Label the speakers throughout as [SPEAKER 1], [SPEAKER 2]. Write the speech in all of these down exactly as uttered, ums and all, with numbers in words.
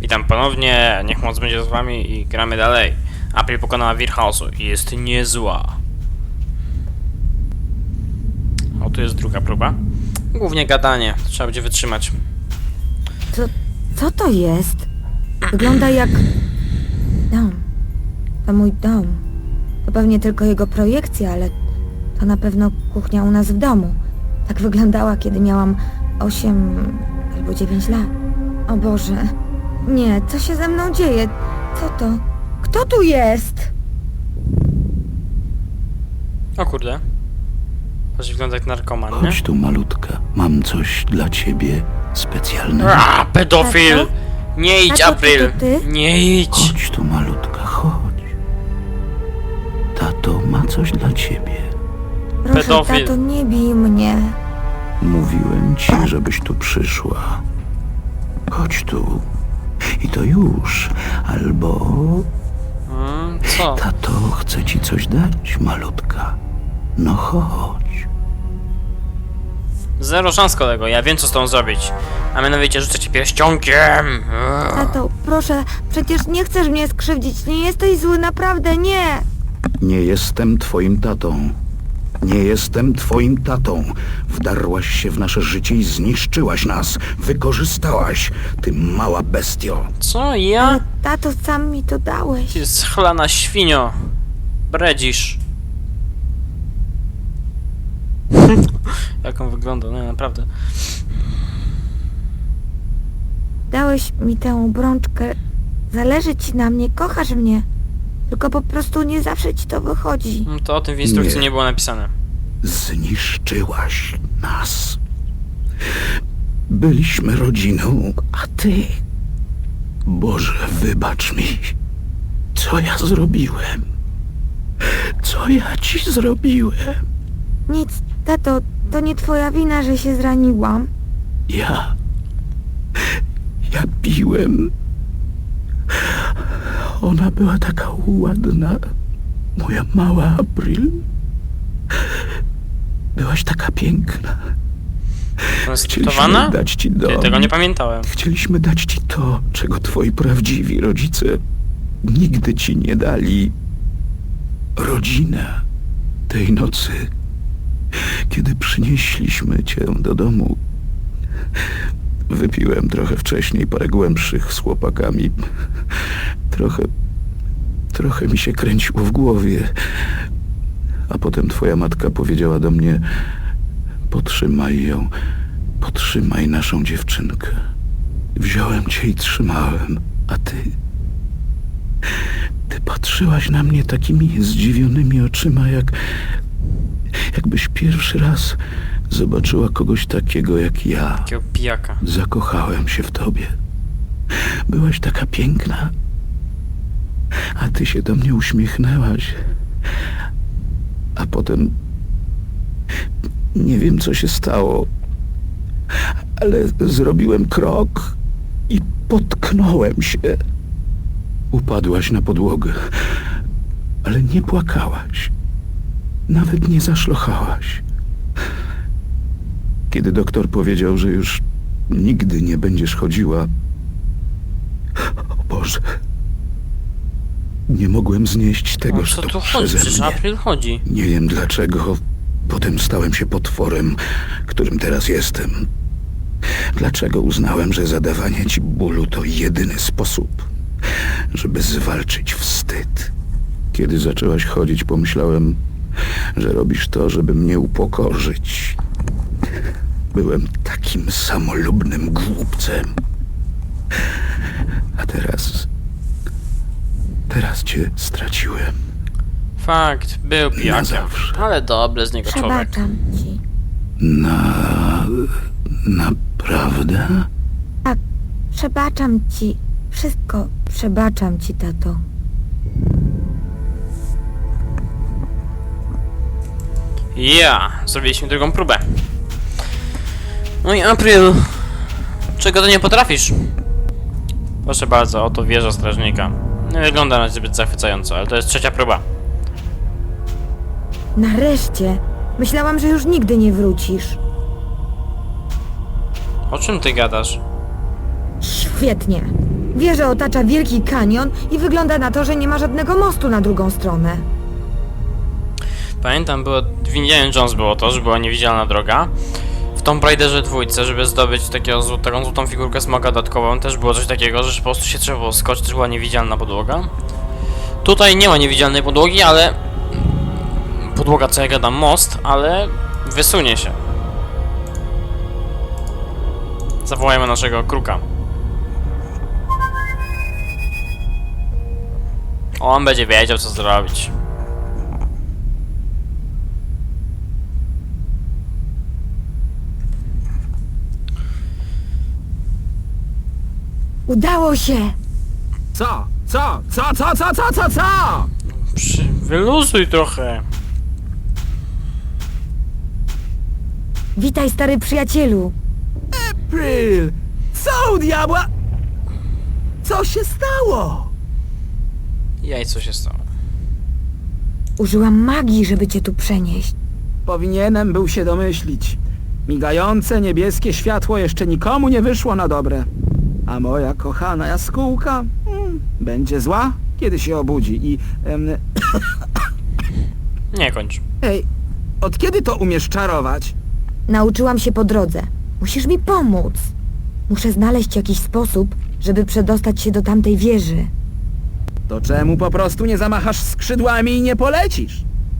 [SPEAKER 1] Witam ponownie, niech moc będzie z wami i gramy dalej. April pokonała wir chaosu i jest niezła. O, tu jest druga próba. Głównie gadanie, trzeba będzie wytrzymać.
[SPEAKER 2] Co, co to jest? Wygląda jak... dom. To mój dom. To pewnie tylko jego projekcja, ale to na pewno kuchnia u nas w domu. Tak wyglądała, kiedy miałam osiem albo dziewięć lat. O Boże. Nie, co się ze mną dzieje? Co to? Kto tu jest?
[SPEAKER 1] O kurde. To się wygląda jak narkoman, nie?
[SPEAKER 3] Chodź tu, malutka. Mam coś dla ciebie specjalnego.
[SPEAKER 1] A, pedofil!
[SPEAKER 2] Tato?
[SPEAKER 1] Nie idź,
[SPEAKER 2] Tato,
[SPEAKER 1] April!
[SPEAKER 2] to ty?
[SPEAKER 1] Nie idź!
[SPEAKER 3] Chodź tu, malutka, chodź. Tato ma coś dla ciebie.
[SPEAKER 2] Proszę,
[SPEAKER 1] Pedofil.
[SPEAKER 2] tato, nie bij mnie.
[SPEAKER 3] Mówiłem ci, żebyś tu przyszła. Chodź tu. I to już. Albo...
[SPEAKER 1] Hmm, co?
[SPEAKER 3] Tato chce ci coś dać, malutka. No chodź.
[SPEAKER 1] Zero szans, kolego, ja wiem co z tą zrobić. A mianowicie rzucę cię pierścionkiem!
[SPEAKER 2] Tato, proszę, przecież nie chcesz mnie skrzywdzić. Nie jesteś zły, naprawdę, nie.
[SPEAKER 3] Nie jestem twoim tatą. Nie jestem twoim tatą. Wdarłaś się w nasze życie i zniszczyłaś nas. Wykorzystałaś, ty mała bestio.
[SPEAKER 1] Co, ja?
[SPEAKER 2] Ale tato, sam mi to dałeś.
[SPEAKER 1] Ty schlana świnio. Bredzisz. Jak on wygląda, no naprawdę.
[SPEAKER 2] Dałeś mi tę obrączkę. Zależy ci na mnie, kochasz mnie. Tylko po prostu nie zawsze ci to wychodzi.
[SPEAKER 1] No to o tym w instrukcji nie,
[SPEAKER 3] Nie.
[SPEAKER 1] nie było napisane.
[SPEAKER 3] Zniszczyłaś nas. Byliśmy rodziną, a ty... Boże, wybacz mi. Co ja zrobiłem? Co ja ci zrobiłem?
[SPEAKER 2] Nic, tato, to nie twoja wina, że się zraniłam.
[SPEAKER 3] Ja... Ja piłem. Ona była taka ładna. Moja mała April. Byłaś taka piękna.
[SPEAKER 1] Konstytuowana?
[SPEAKER 3] Chcieliśmy dać ci dom.
[SPEAKER 1] Ja tego nie pamiętałem.
[SPEAKER 3] Chcieliśmy dać ci to, czego twoi prawdziwi rodzice nigdy ci nie dali. Rodzinę. Tej nocy, kiedy przynieśliśmy cię do domu, wypiłem trochę wcześniej parę głębszych z chłopakami. Trochę... Trochę mi się kręciło w głowie. A potem twoja matka powiedziała do mnie: potrzymaj ją, potrzymaj naszą dziewczynkę. Wziąłem cię i trzymałem, a ty... Ty patrzyłaś na mnie takimi zdziwionymi oczyma, jak... jakbyś pierwszy raz zobaczyła kogoś takiego jak ja.
[SPEAKER 1] Takiego pijaka.
[SPEAKER 3] Zakochałem się w tobie. Byłaś taka piękna. A ty się do mnie uśmiechnęłaś. A potem... Nie wiem, co się stało, ale zrobiłem krok i potknąłem się. Upadłaś na podłogę, ale nie płakałaś. Nawet nie zaszlochałaś. Kiedy doktor powiedział, że już nigdy nie będziesz chodziła... O Boże... Nie mogłem znieść tego,
[SPEAKER 1] O
[SPEAKER 3] że
[SPEAKER 1] co
[SPEAKER 3] to
[SPEAKER 1] tu chodzi?
[SPEAKER 3] przeze
[SPEAKER 1] Przecież
[SPEAKER 3] mnie.
[SPEAKER 1] April chodzi.
[SPEAKER 3] Nie wiem dlaczego. Potem stałem się potworem, którym teraz jestem. Dlaczego uznałem, że zadawanie ci bólu to jedyny sposób, żeby zwalczyć wstyd? Kiedy zaczęłaś chodzić, pomyślałem, że robisz to, żeby mnie upokorzyć. Byłem takim samolubnym głupcem. A teraz... Teraz cię straciłem.
[SPEAKER 1] Fakt, był
[SPEAKER 3] Na
[SPEAKER 1] pijakiem.
[SPEAKER 3] zawsze.
[SPEAKER 1] Ale dobry z niego człowiek.
[SPEAKER 2] Przebaczam ci.
[SPEAKER 3] Na... naprawdę?
[SPEAKER 2] Tak, przebaczam ci. Wszystko przebaczam ci, tato.
[SPEAKER 1] Ja, zrobiliśmy drugą próbę. No i April, czego ty nie potrafisz? Proszę bardzo, oto wieża strażnika. Nie wygląda na zbyt zachwycająco, ale to jest trzecia próba.
[SPEAKER 2] Nareszcie. Myślałam, że już nigdy nie wrócisz.
[SPEAKER 1] O czym ty gadasz?
[SPEAKER 2] Świetnie. Wieżę otacza wielki kanion i wygląda na to, że nie ma żadnego mostu na drugą stronę.
[SPEAKER 1] Pamiętam, było w Indiana Jones było to, że była niewidzialna droga. W Tomb Raiderze dwójce, żeby zdobyć takiego, zł- taką złotą figurkę smoka dodatkową, też było coś takiego, że po prostu się trzeba było skoczyć, też była niewidzialna podłoga. Tutaj nie ma niewidzialnej podłogi, ale... Podłoga, co ja gadam, most, ale wysunie się. Zawołajmy naszego kruka. On będzie wiedział, co zrobić.
[SPEAKER 2] Udało się!
[SPEAKER 4] Co? Co? Co? Co? Co? Co? Co? Co?
[SPEAKER 1] Przy... Wyluzuj trochę.
[SPEAKER 2] Witaj, stary przyjacielu.
[SPEAKER 4] April! Co u diabła? Co się stało?
[SPEAKER 1] Jaj, co się stało?
[SPEAKER 2] Użyłam magii, żeby cię tu przenieść.
[SPEAKER 4] Powinienem był się domyślić. Migające niebieskie światło jeszcze nikomu nie wyszło na dobre. A moja kochana jaskółka hmm, będzie zła, kiedy się obudzi i... Em,
[SPEAKER 1] Nie kończ.
[SPEAKER 4] ej, od kiedy to umiesz czarować?
[SPEAKER 2] Nauczyłam się po drodze. Musisz mi pomóc. Muszę znaleźć jakiś sposób, żeby przedostać się do tamtej wieży.
[SPEAKER 4] To czemu po prostu nie zamachasz skrzydłami i nie polecisz?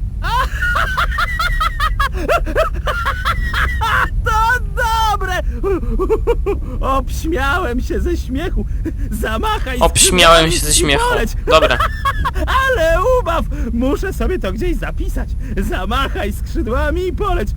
[SPEAKER 4] To dobre! Obśmiałem się ze śmiechu. Zamachaj
[SPEAKER 1] Obśmiałem się ze
[SPEAKER 4] skrzydłami i
[SPEAKER 1] śmiechu.
[SPEAKER 4] poleć.
[SPEAKER 1] Dobra.
[SPEAKER 4] Ale ubaw! Muszę sobie to gdzieś zapisać. Zamachaj skrzydłami i poleć.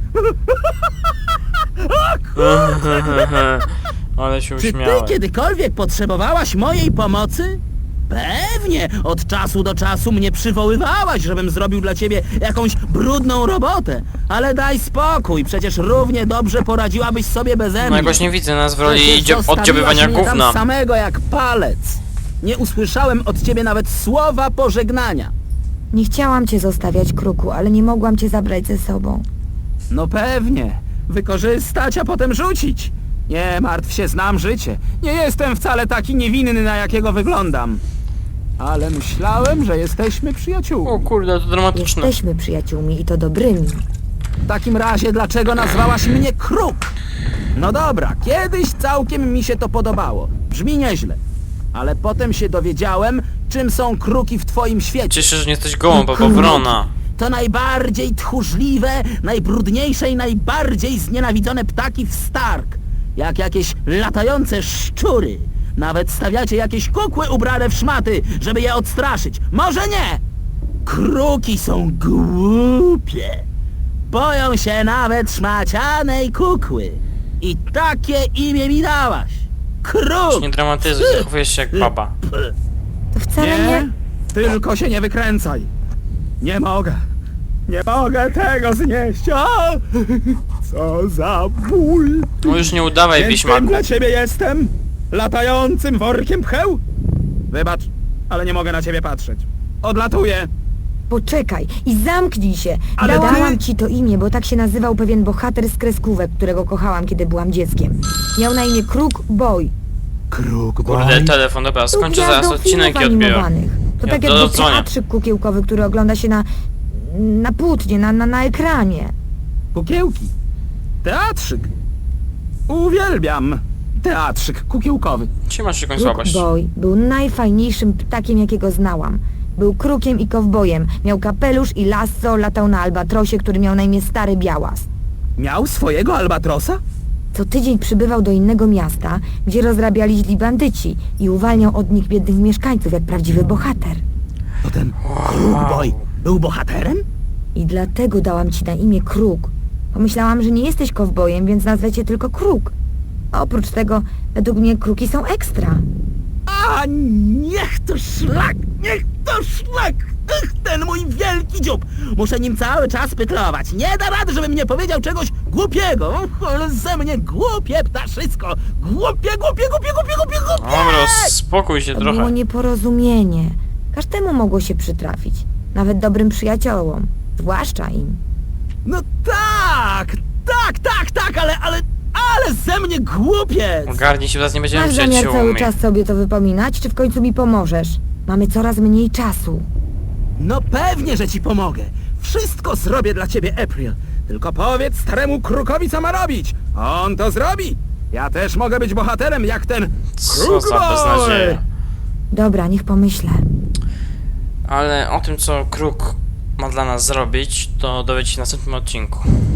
[SPEAKER 4] O kurczę!
[SPEAKER 1] Ale się
[SPEAKER 4] Czy ty
[SPEAKER 1] uśmiałem.
[SPEAKER 4] kiedykolwiek potrzebowałaś mojej pomocy? Pewnie! Od czasu do czasu mnie przywoływałaś, żebym zrobił dla ciebie jakąś brudną robotę. Ale daj spokój, przecież równie dobrze poradziłabyś sobie beze mnie.
[SPEAKER 1] No jakoś nie widzę nas w roli
[SPEAKER 4] Przecież
[SPEAKER 1] dzio-
[SPEAKER 4] zostawiłaś
[SPEAKER 1] oddziobywania
[SPEAKER 4] mnie tam
[SPEAKER 1] gówna.
[SPEAKER 4] samego jak palec. Nie usłyszałem od ciebie nawet słowa pożegnania.
[SPEAKER 2] Nie chciałam cię zostawiać, kruku, ale nie mogłam cię zabrać ze sobą.
[SPEAKER 4] No pewnie. Wykorzystać, a potem rzucić. Nie martw się, znam życie. Nie jestem wcale taki niewinny, na jakiego wyglądam. Ale myślałem, że jesteśmy przyjaciółmi.
[SPEAKER 1] O kurde, to dramatyczne.
[SPEAKER 2] Jesteśmy przyjaciółmi i to dobrymi.
[SPEAKER 4] W takim razie dlaczego nazwałaś mnie Kruk? No dobra, kiedyś całkiem mi się to podobało. Brzmi nieźle. Ale potem się dowiedziałem, czym są kruki w twoim świecie.
[SPEAKER 1] Cieszę się, że nie jesteś gołą, bo wrona.
[SPEAKER 4] To najbardziej tchórzliwe, najbrudniejsze i najbardziej znienawidzone ptaki w Stark. Jak jakieś latające szczury. Nawet stawiacie jakieś kukły ubrane w szmaty, żeby je odstraszyć. Może nie! Kruki są głupie. Boją się nawet szmacianej kukły. I takie imię mi dałaś. Kruk!
[SPEAKER 1] Nie dramatyzuj, zachowujesz się jak baba.
[SPEAKER 2] To wcale nie...
[SPEAKER 4] Nie, tylko się nie wykręcaj. Nie mogę. Nie mogę tego znieść. O! Co za ból.
[SPEAKER 1] No już nie udawaj,
[SPEAKER 4] Więc
[SPEAKER 1] Wiśmaku.
[SPEAKER 4] kim dla ciebie jestem? Latającym workiem pcheł? Wybacz, ale nie mogę na ciebie patrzeć. Odlatuję.
[SPEAKER 2] Poczekaj i zamknij się.
[SPEAKER 4] Ale
[SPEAKER 2] Dałam
[SPEAKER 4] ty-
[SPEAKER 2] ci to imię, bo tak się nazywał pewien bohater z kreskówek, którego kochałam, kiedy byłam dzieckiem. Miał na imię Kruk Boy.
[SPEAKER 4] Kruk
[SPEAKER 1] Kurde, telefon, dobra,
[SPEAKER 2] Był
[SPEAKER 1] skończę zaraz
[SPEAKER 2] gwiazdą
[SPEAKER 1] odcinek i
[SPEAKER 2] filmów
[SPEAKER 1] odbiorę.
[SPEAKER 2] animowanych. To
[SPEAKER 1] Ja
[SPEAKER 2] tak
[SPEAKER 1] to
[SPEAKER 2] jakby
[SPEAKER 1] odzwonię.
[SPEAKER 2] teatrzyk kukiełkowy, który ogląda się na... na płótnie, na, na, na ekranie.
[SPEAKER 4] Kukiełki. Teatrzyk. Uwielbiam teatrzyk kukiełkowy.
[SPEAKER 1] Czy masz jakąś
[SPEAKER 2] Kruk
[SPEAKER 1] słabość?
[SPEAKER 2] Boy był najfajniejszym ptakiem, jakiego znałam. Był krukiem i kowbojem. Miał kapelusz i lasso, latał na albatrosie, który miał na imię Stary Białas.
[SPEAKER 4] Miał swojego albatrosa?
[SPEAKER 2] Co tydzień przybywał do innego miasta, gdzie rozrabiali źli bandyci i uwalniał od nich biednych mieszkańców jak prawdziwy bohater.
[SPEAKER 4] To ten Kruk Boy był bohaterem?
[SPEAKER 2] I dlatego dałam ci na imię Kruk. Pomyślałam, że nie jesteś kowbojem, więc nazwę cię tylko Kruk. A oprócz tego, według mnie kruki są ekstra.
[SPEAKER 4] A niech to szlak! Niech to szlak! Ach, ten mój wielki dziób! Muszę nim cały czas pytlować. Nie da rady, żebym nie powiedział czegoś głupiego. Och, ale ze mnie głupie ptaszysko! Głupie, głupie, głupie, głupie, głupie, głupie!
[SPEAKER 1] Dobra, spokój się
[SPEAKER 2] To było
[SPEAKER 1] trochę.
[SPEAKER 2] nieporozumienie. Każdemu mogło się przytrafić. Nawet dobrym przyjaciołom. Zwłaszcza im.
[SPEAKER 4] No tak! Tak, tak, tak, ale, ale... Ale ze mnie głupiec!
[SPEAKER 1] Ogarnij się, teraz nie będziemy
[SPEAKER 2] Masz zamiar cały
[SPEAKER 1] przyjaciółmi.
[SPEAKER 2] czas sobie to wypominać, czy w końcu mi pomożesz? Mamy coraz mniej czasu.
[SPEAKER 4] No pewnie, że ci pomogę. Wszystko zrobię dla ciebie, April. Tylko powiedz staremu krukowi, co ma robić. On to zrobi. Ja też mogę być bohaterem, jak ten
[SPEAKER 1] Co
[SPEAKER 4] Kruk
[SPEAKER 1] za
[SPEAKER 4] Boy.
[SPEAKER 1] beznadzieja.
[SPEAKER 2] Dobra, niech pomyślę.
[SPEAKER 1] Ale o tym, co Kruk ma dla nas zrobić, to dowiecie się w następnym odcinku.